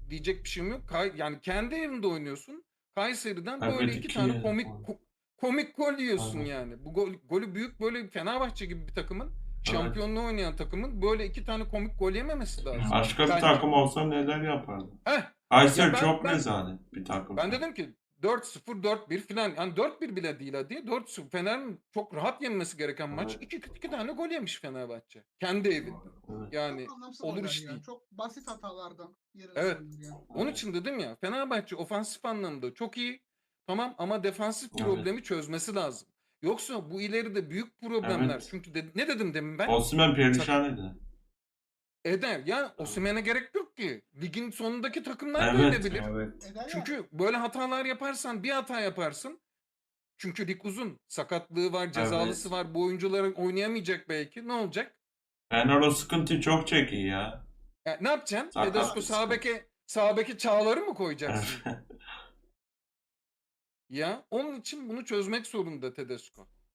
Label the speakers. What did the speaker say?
Speaker 1: diyecek bir şeyim yok. Yani kendi evinde oynuyorsun. Kayseri'den böyle
Speaker 2: Evet,
Speaker 1: iki
Speaker 2: iki
Speaker 1: tane
Speaker 2: yedik
Speaker 1: komik
Speaker 2: onu.
Speaker 1: komik gol yiyorsun
Speaker 2: Evet.
Speaker 1: yani. Bu golü büyük böyle Fenerbahçe gibi bir takımın,
Speaker 2: Evet.
Speaker 1: şampiyonluğu oynayan takımın böyle iki tane komik gol yememesi lazım
Speaker 2: Başka bir
Speaker 1: bence.
Speaker 2: takım olsa neler yapardı?
Speaker 1: Heh. Ya
Speaker 2: Kayseri
Speaker 1: ben
Speaker 2: çok
Speaker 1: ben
Speaker 2: rezalet bir takım
Speaker 1: ben
Speaker 2: şu an.
Speaker 1: dedim ki 4-0 4-1 falan. Yani 4-1 bile değil hadi. 4-0 Fener'in çok rahat yenmesi gereken maç.
Speaker 2: Evet.
Speaker 1: İki tane gol yemiş Fenerbahçe. Kendi evinde.
Speaker 2: Evet.
Speaker 1: Yani
Speaker 3: Çok anlamsız
Speaker 1: olur
Speaker 3: goller
Speaker 1: iş
Speaker 3: ya.
Speaker 1: değil.
Speaker 3: Çok basit hatalardan yerilen
Speaker 1: Evet.
Speaker 3: goller yani.
Speaker 1: Onun
Speaker 2: Evet.
Speaker 1: için dedim ya Fenerbahçe ofansif anlamda çok iyi. Tamam ama defansif
Speaker 2: Evet.
Speaker 1: problemi çözmesi lazım. Yoksa bu ileride büyük problemler.
Speaker 2: Evet.
Speaker 1: Çünkü ne dedim demin ben?
Speaker 2: Osimhen
Speaker 1: Sakat
Speaker 2: perişan eder.
Speaker 1: eder. Ya
Speaker 2: Evet.
Speaker 1: Osimhen'e gerek yok ki. Ligin sonundaki takımlar da
Speaker 2: Evet.
Speaker 1: edebilir.
Speaker 4: Evet.
Speaker 3: Eder yani.
Speaker 1: Çünkü böyle hatalar yaparsan bir hata yaparsın. Çünkü lig uzun. Sakatlığı var, cezalısı
Speaker 2: Evet.
Speaker 1: var. Bu oyuncuların oynayamayacak belki. Ne olacak?
Speaker 2: Fener o sıkıntıyı çok çekiyor ya.
Speaker 1: Ne yapacaksın? Tedesco
Speaker 2: Sakatlık sıkıntısı.
Speaker 1: sağ beke Çağlar'ı mı koyacaksın?
Speaker 2: Evet.
Speaker 1: Ya onun için bunu çözmek zorunda Tedesco.